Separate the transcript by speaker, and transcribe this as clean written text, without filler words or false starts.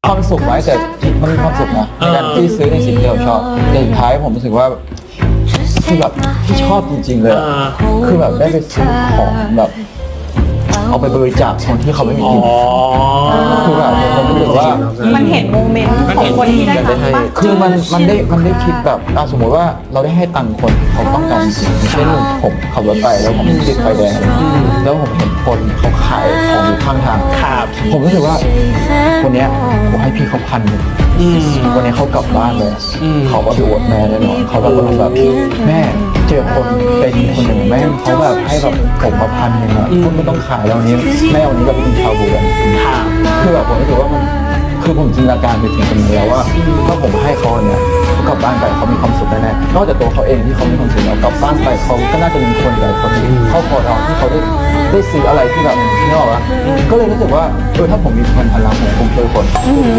Speaker 1: ความสุขไว้แต่มันมีความสุขนะในการที่ซื้อในสิ่งที่เราชอบแต่สุดท้ายผมรู้สึกว่าคือแบบที่ชอบจริงๆเลยคือแบบได้ไปซื้อของแบบเอาไปบริจาคคนที่เขาไม่มีกินคือแบบผมรู้สึกว่า
Speaker 2: มันเห็นโมเมนต์ของคนที่ได้ทำบ้าง
Speaker 1: คือมันได้คิดแบบสมมติว่าเราได้ให้ตังค์คนเขาต้องการจริงๆเช่นผมขับรถไปแล้วผมติดไฟแดงแล้วผมเห็นคนเขาขายของอยู่ข้างทางผมรู้สึกว่าคนเนี้ยผมให้พี่เขา1,000วันนี้เขากลับบ้านเลยเขาก็ดูอดแม่แน่นอนเขาแบบแม่เจอคนเป็นคนหนึ่งแม่เขาแบบให้แบบผมมา1,000อ่ะคุณไม่ต้องขายแล้ววันนี้แม่วันนี้เราไปกินชาบูกันคือแบบผมรู้สึกว่ามันคือผมจินตนาการไปถึงตรงนี้แล้วว่าถ้าผมให้เขาเนี่ยเขากลับบ้านไปเขามีความสุขแน่ๆนอกจากตัวเขาเองที่เขามีความสุขแล้วกลับบ้านไปเขาก็น่าจะมีคนหลายคนที่เข้าคอเราที่เขาได้ซื้ออะไรที่แบบนี่หรอวะก็เลยรู้สึกว่าถ้าผมมี1,000 ล้านผมคงช่วยคน